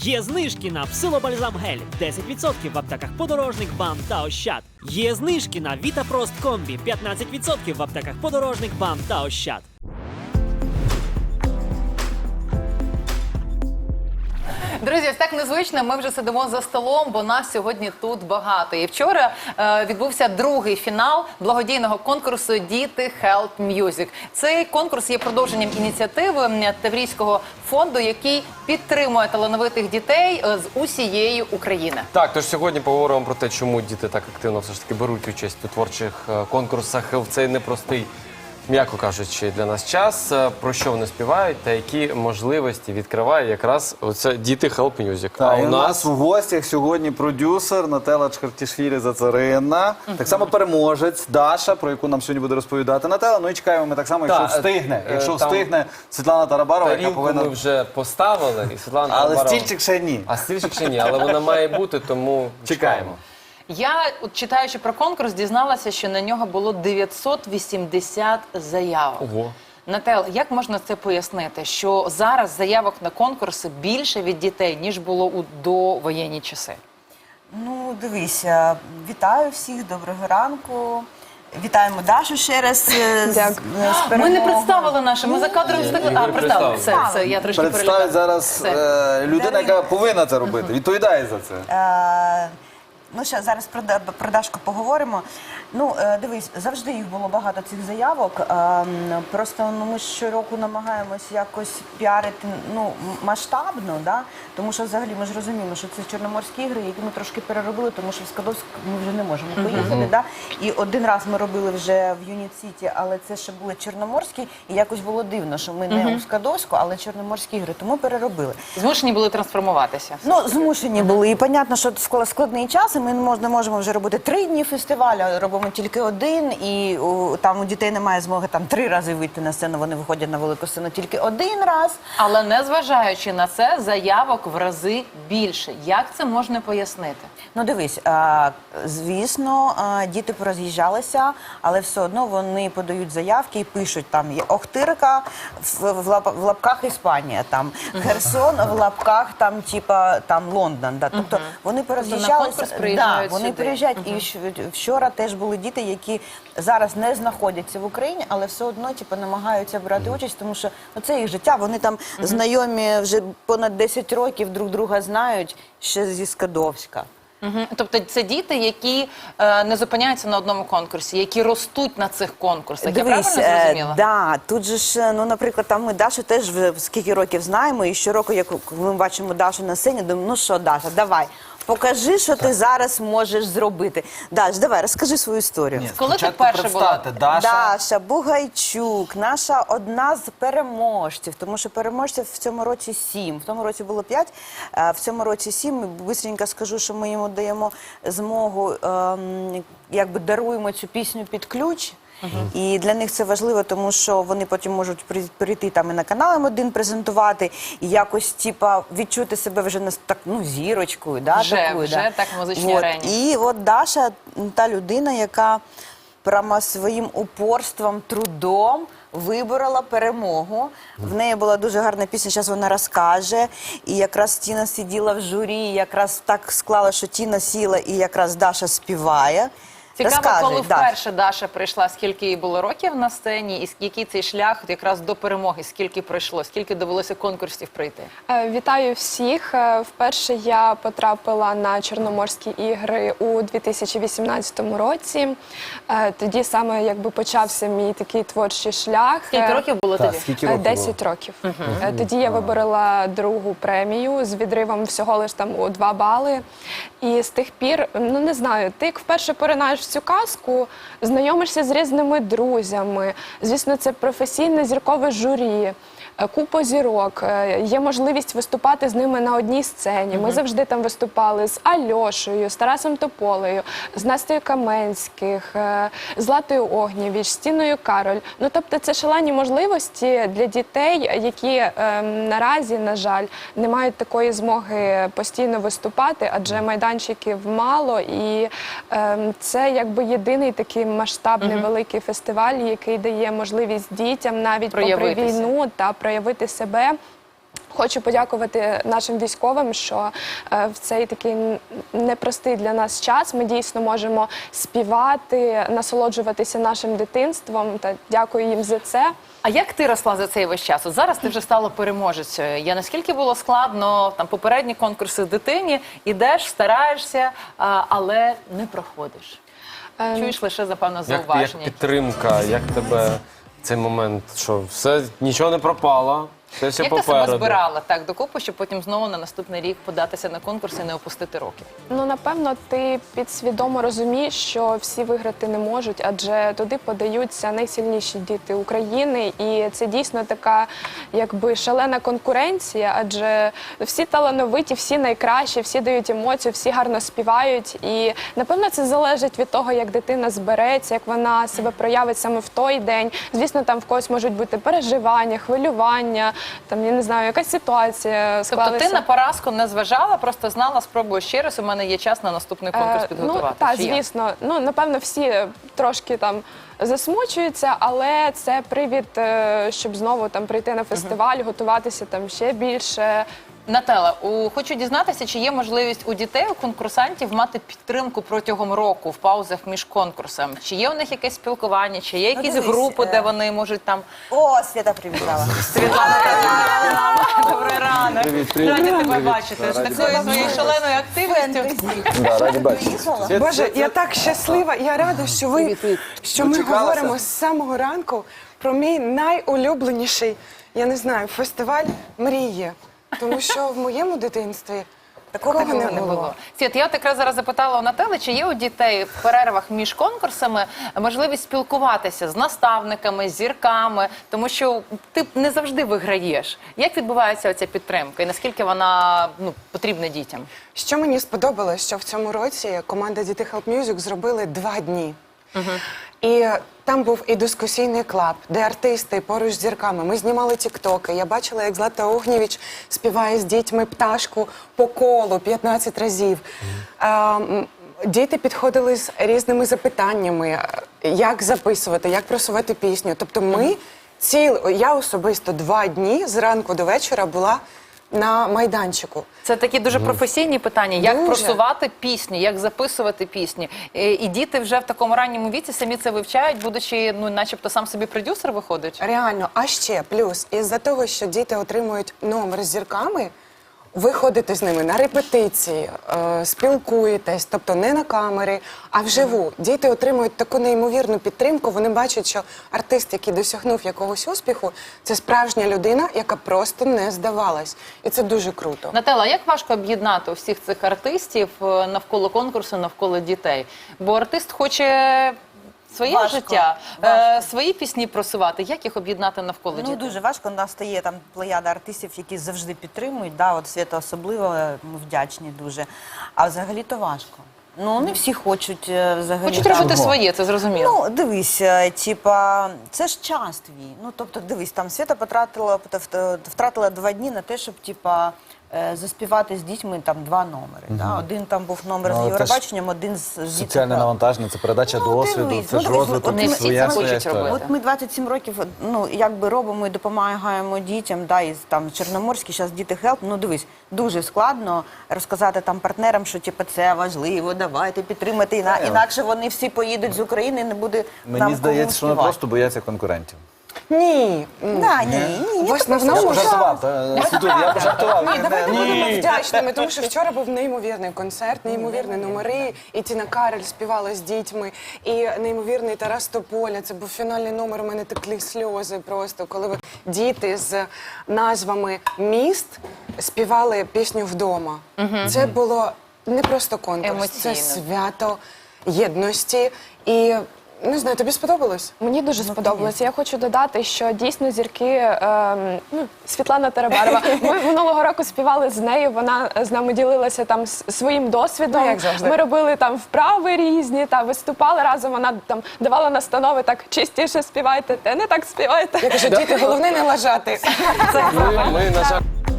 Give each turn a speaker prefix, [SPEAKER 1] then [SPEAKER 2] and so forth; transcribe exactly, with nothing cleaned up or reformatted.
[SPEAKER 1] Є знижки на псилобальзам гель десять відсотків в аптеках Подорожник, БАМ та Ощад. Є знижки на Вітапрост комбі п'ятнадцять відсотків в аптеках Подорожник, БАМ та Ощад.
[SPEAKER 2] Друзі, ось так незвично, ми вже сидимо за столом, бо нас сьогодні тут багато. І вчора е, відбувся другий фінал благодійного конкурсу «Діти Help Music». Цей конкурс є продовженням ініціативи Таврійського фонду, який підтримує талановитих дітей з усієї України.
[SPEAKER 3] Так, тож сьогодні поговоримо про те, чому діти так активно все ж таки беруть участь у творчих конкурсах в цей непростий, м'яко кажучи, для нас час, про що вони співають та які можливості відкриває якраз оце «Діти Help Music».
[SPEAKER 4] А у нас в гостях сьогодні продюсер Нателла Чхартішвілі-Зацаринна, так само переможець Даша, про яку нам сьогодні буде розповідати Нателла. Ну і чекаємо ми так само, якщо
[SPEAKER 3] Та,
[SPEAKER 4] встигне,
[SPEAKER 3] е,
[SPEAKER 4] якщо
[SPEAKER 3] там
[SPEAKER 4] встигне Світлана Тарабарова, яка
[SPEAKER 3] Тарілку
[SPEAKER 4] повинна...
[SPEAKER 3] ми вже поставили, і Світлана
[SPEAKER 4] Але
[SPEAKER 3] Тарабарова...
[SPEAKER 4] стільчик ще ні.
[SPEAKER 3] А стільчик ще ні, але вона має бути, тому чекаємо.
[SPEAKER 2] Я, от, читаючи про конкурс, дізналася, що на нього було дев'ятсот вісімдесят заявок.
[SPEAKER 3] Ого.
[SPEAKER 2] Нател, як можна це пояснити, що зараз заявок на конкурси більше від дітей, ніж було у довоєнні часи?
[SPEAKER 5] Ну, дивися, вітаю всіх, доброго ранку. Вітаємо Дашу ще раз з, з
[SPEAKER 2] Ми не
[SPEAKER 5] перемогою.
[SPEAKER 2] представили наше, ми за кадром встигли. А, представили, все, все, я трошки
[SPEAKER 4] Представить
[SPEAKER 2] перелякала.
[SPEAKER 4] зараз
[SPEAKER 2] Все.
[SPEAKER 4] е, людина, яка повинна це робити, відповідає за це.
[SPEAKER 5] Е, Ну, ще зараз про, Да- про Дашку поговоримо. Ну, е, дивись, завжди їх було багато цих заявок. Е, м, просто ну, ми щороку намагаємось якось піарити ну, м- масштабно, да? Тому що взагалі ми ж розуміємо, що це Чорноморські ігри, які ми трошки переробили, тому що в Скадовськ ми вже не можемо поїхати. Да? І один раз ми робили вже в Юніт Сіті, але це ще були Чорноморські, і якось було дивно, що ми не у Скадовську, але Чорноморські ігри, тому переробили.
[SPEAKER 2] Змушені були трансформуватися.
[SPEAKER 5] Ну, змушені були. І, понятно, що скла- складний час, і ми не мож- не можемо вже робити три дні фестивалю, а робимо тільки один, і у, там у дітей немає змоги там три рази вийти на сцену, вони виходять на велику сцену тільки один раз.
[SPEAKER 2] Але незважаючи на це, заявок в рази більше. Як це можна пояснити?
[SPEAKER 5] Ну, дивись, а, звісно, а, діти пороз'їжджалися, але все одно вони подають заявки і пишуть, там є Охтирка, в, в, лап- в лапках Іспанія, там Херсон, в лапках там, типа, там Лондон. Да. Тобто вони пороз'їжджалися.
[SPEAKER 2] конкурс приїжджають
[SPEAKER 5] да, вони
[SPEAKER 2] сюди.
[SPEAKER 5] приїжджають. І щ- вчора теж були діти, які зараз не знаходяться в Україні, але все одно типу, намагаються брати участь, тому що ну, це їх життя. Вони там знайомі вже понад десять років, друг друга знають ще зі Скадовська.
[SPEAKER 2] Мгм. Тобто це діти, які е, не зупиняються на одному конкурсі, які ростуть на цих конкурсах. Я правильно
[SPEAKER 5] е,
[SPEAKER 2] зрозуміла?
[SPEAKER 5] да, тут же ж, ну, наприклад, там ми Дашу теж вже скільки років знаємо, і щороку, як ми бачимо Дашу на сцені, думаємо, ну що, Даша, давай, покажи, що ти зараз можеш зробити. Даш, давай, розкажи свою історію.
[SPEAKER 2] Коли ти вперше була?
[SPEAKER 4] Даша.
[SPEAKER 5] Даша Бугайчук, наша одна з переможців, тому що переможців в цьому році сім. В тому році було п'ять, а в цьому році сім. Бистренько скажу, що ми йому даємо змогу, ем, якби даруємо цю пісню під ключ. І для них це важливо, тому що вони потім можуть при- прийти там і на канал М один презентувати, і якось типа відчути себе вже на так, ну, зірочкою. Да,
[SPEAKER 2] Вже,
[SPEAKER 5] такою,
[SPEAKER 2] вже
[SPEAKER 5] да.
[SPEAKER 2] так в музичній
[SPEAKER 5] Вот.
[SPEAKER 2] арені.
[SPEAKER 5] І от Даша та людина, яка прямо своїм упорством, трудом виборола перемогу. В неї була дуже гарна пісня, зараз вона розкаже. І якраз Тіна сиділа в журі, і якраз так склала, що Тіна сіла, і якраз Даша співає.
[SPEAKER 2] Цікаво,
[SPEAKER 5] Розкаже,
[SPEAKER 2] коли
[SPEAKER 5] Даш.
[SPEAKER 2] вперше Даша прийшла, скільки їй було років на сцені, і який цей шлях якраз до перемоги, скільки пройшло, скільки довелося конкурсів пройти?
[SPEAKER 6] Е, Вітаю всіх. Е, Вперше я потрапила на Чорноморські ігри у дві тисячі вісімнадцятому році. Е, Тоді саме якби почався мій такий творчий шлях.
[SPEAKER 2] Скільки
[SPEAKER 6] Е,
[SPEAKER 2] років було
[SPEAKER 4] Так,
[SPEAKER 2] тобі?
[SPEAKER 4] скільки
[SPEAKER 6] Е,
[SPEAKER 4] років було?
[SPEAKER 6] десять років. Е, Тоді я виборола другу премію з відривом всього лиш там у два бали. І з тих пір, ну не знаю, ти як вперше поринаєш в цю казку, знайомишся з різними друзями. Звісно, це професійне зіркове журі. е, Купа зірок, е, є можливість виступати з ними на одній сцені. Ми завжди там виступали з Альошею, з Тарасом Тополею, з Настею Каменських, е, з Златою Огнєвіч, з Тіною Кароль. Ну, тобто це шалені можливості для дітей, які е, наразі, на жаль, не мають такої змоги постійно виступати, адже майданчиків мало, і е, це якби єдиний такий масштабний великий фестиваль, який дає можливість дітям навіть попри
[SPEAKER 2] Проявитися.
[SPEAKER 6] війну та проявити себе. Хочу подякувати нашим військовим, що е, в цей такий н- непростий для нас час ми дійсно можемо співати, насолоджуватися нашим дитинством. Та дякую їм за це.
[SPEAKER 2] А як ти росла за цей весь час? От зараз ти вже стала переможецею. Я наскільки було складно, там попередні конкурси дитині, ідеш, стараєшся, а, але не проходиш.
[SPEAKER 6] Ем,
[SPEAKER 2] Чуєш лише, запевно,
[SPEAKER 3] Як, як
[SPEAKER 2] зауваження.
[SPEAKER 3] підтримка, як тебе цей момент, що все, нічого не пропало, все, все
[SPEAKER 2] Як ти
[SPEAKER 3] попереду.
[SPEAKER 2] себе збирала так докупи, щоб потім знову на наступний рік податися на конкурс і не опустити роки?
[SPEAKER 6] Ну, напевно, ти підсвідомо розумієш, що всі виграти не можуть, адже туди подаються найсильніші діти України. І це дійсно така, якби, шалена конкуренція, адже всі талановиті, всі найкращі, всі дають емоцію, всі гарно співають. І, напевно, це залежить від того, як дитина збереться, як вона себе проявить саме в той день. Звісно, там в когось можуть бути переживання, хвилювання, там, я не знаю, якась ситуація
[SPEAKER 2] Тобто
[SPEAKER 6] склалася.
[SPEAKER 2] ти на поразку не зважала, просто знала, спробую ще раз, у мене є час на наступний конкурс
[SPEAKER 6] Е,
[SPEAKER 2] підготувати.
[SPEAKER 6] Ну, так,
[SPEAKER 2] Чи як?
[SPEAKER 6] звісно. Ну, напевно, всі трошки там засмучуються, але це привід, е, щоб знову там прийти на фестиваль, готуватися там ще більше.
[SPEAKER 2] Наталя, у, хочу дізнатися, чи є можливість у дітей, у конкурсантів мати підтримку протягом року в паузах між конкурсами? Чи є у них якесь спілкування, чи є
[SPEAKER 5] Ну,
[SPEAKER 2] якісь
[SPEAKER 5] дивись,
[SPEAKER 2] групи,
[SPEAKER 5] е,
[SPEAKER 2] де вони можуть там...
[SPEAKER 5] О, Свята привітала.
[SPEAKER 2] Світлана, добрий ранок.
[SPEAKER 4] Привіт, привіт.
[SPEAKER 2] Раді тебе
[SPEAKER 4] Привіт.
[SPEAKER 2] бачити. З
[SPEAKER 4] Раді
[SPEAKER 2] такою
[SPEAKER 4] бачити.
[SPEAKER 2] своєю шаленою активністю.
[SPEAKER 4] Да, раді бачити.
[SPEAKER 5] Приїхала?
[SPEAKER 7] Боже, я так щаслива, я рада, що ви що ми
[SPEAKER 4] Дочекалася?
[SPEAKER 7] говоримо з самого ранку про мій найулюбленіший, я не знаю, фестиваль мрії. Тому що в моєму дитинстві такого
[SPEAKER 2] Такого
[SPEAKER 7] не було.
[SPEAKER 2] Світ, я от якраз зараз запитала у Натали, чи є у дітей в перервах між конкурсами можливість спілкуватися з наставниками, з зірками, тому що ти не завжди виграєш. Як відбувається оця підтримка і наскільки вона ну, потрібна дітям?
[SPEAKER 7] Що мені сподобалось, що в цьому році команда Діти Help Music зробили два дні. І там був і дискусійний клаб, де артисти поруч з зірками. Ми знімали тіктоки. Я бачила, як Злата Огнєвіч співає з дітьми пташку по колу п'ятнадцять разів. Ем, Діти підходили з різними запитаннями, як записувати, як просувати пісню. Тобто ми ціл, я особисто два дні зранку до вечора була на майданчику.
[SPEAKER 2] Це такі дуже професійні питання, як
[SPEAKER 7] Дуже.
[SPEAKER 2] просувати пісню, як записувати пісні. І, і діти вже в такому ранньому віці самі це вивчають, будучи, ну, начебто сам собі продюсер виходить.
[SPEAKER 7] Реально, а ще плюс, із-за того, що діти отримують номер з зірками, ви ходите з ними на репетиції, е, спілкуєтесь, тобто не на камери, а вживу. Діти отримують таку неймовірну підтримку, вони бачать, що артист, який досягнув якогось успіху, це справжня людина, яка просто не здавалась. І це дуже круто.
[SPEAKER 2] Наталя, як важко об'єднати всіх цих артистів е, навколо конкурсу, навколо дітей? Бо артист хоче своє
[SPEAKER 5] Важко,
[SPEAKER 2] життя, е,
[SPEAKER 5] важко.
[SPEAKER 2] свої пісні просувати. Як їх об'єднати навколо
[SPEAKER 5] Ну,
[SPEAKER 2] дітей?
[SPEAKER 5] дуже важко. У нас стає там плеяда артистів, які завжди підтримують. Да, от Свята особливо, ми вдячні дуже. А взагалі то важко. Ну, не всі хочуть е, взагалі.
[SPEAKER 2] Хочуть
[SPEAKER 5] там-
[SPEAKER 2] робити своє, це зрозуміло.
[SPEAKER 5] Ну, дивись, е, типа, це ж час твій. Ну, тобто, дивись, там Свята потратила, вт- втратила два дні на те, щоб, типа, е, заспівати з дітьми там два номери. Да? Один там був номер
[SPEAKER 4] Ну,
[SPEAKER 5] з
[SPEAKER 4] але
[SPEAKER 5] Євробаченням, один з, з
[SPEAKER 4] Соціальне
[SPEAKER 5] дітьми.
[SPEAKER 4] навантаження, це передача
[SPEAKER 5] Ну,
[SPEAKER 4] досвіду,
[SPEAKER 5] дивись,
[SPEAKER 4] це
[SPEAKER 5] ну,
[SPEAKER 4] ж
[SPEAKER 5] дивись,
[SPEAKER 4] розвиток,
[SPEAKER 5] от
[SPEAKER 2] не
[SPEAKER 5] ми-
[SPEAKER 2] всі
[SPEAKER 4] своя
[SPEAKER 2] це
[SPEAKER 4] своя
[SPEAKER 2] хочуть
[SPEAKER 4] історія.
[SPEAKER 2] робити.
[SPEAKER 5] От ми двадцять сім років, ну, якби робимо і допомагаємо дітям, да, і там Чорноморський, зараз діти Help, ну, дивись, дуже складно розказати там партнерам, що, типу, це важливо, давайте підтримати, іна- інакше вони всі поїдуть з України і не буде нам
[SPEAKER 4] Мені здається, що вони
[SPEAKER 5] кому
[SPEAKER 4] просто бояться конкурентів.
[SPEAKER 7] Ні. м,
[SPEAKER 5] Да, ні, ні, ні,
[SPEAKER 7] В основному
[SPEAKER 4] Я
[SPEAKER 7] ж-
[SPEAKER 4] пожартував, та, Світуль, я пожартував.
[SPEAKER 7] Ні, давайте
[SPEAKER 4] Ні.
[SPEAKER 7] будемо вдячними, тому що вчора був неймовірний концерт, неймовірні номери, і Тіна Кароль співала з дітьми, і неймовірний Тарас Тополя. Це був фінальний номер, у мене теклі сльози просто, коли ви- діти з назвами міст співали пісню «Вдома». Це було не просто конкурс, це
[SPEAKER 2] Емоційно.
[SPEAKER 7] свято єдності. І, не знаю, тобі сподобалось?
[SPEAKER 6] Мені дуже сподобалося. Я хочу додати, що дійсно зірки, ем, ну, Світлана Тарабарова, ми минулого року співали з нею, вона з нами ділилася там с- своїм досвідом.
[SPEAKER 7] Ну, як завжди.
[SPEAKER 6] Ми робили там вправи різні, та виступали разом, вона там давала настанови, так частіше співайте, те не так співайте.
[SPEAKER 7] Я кажу, діти, головне не лажати.
[SPEAKER 3] Ми, ми, на жаль,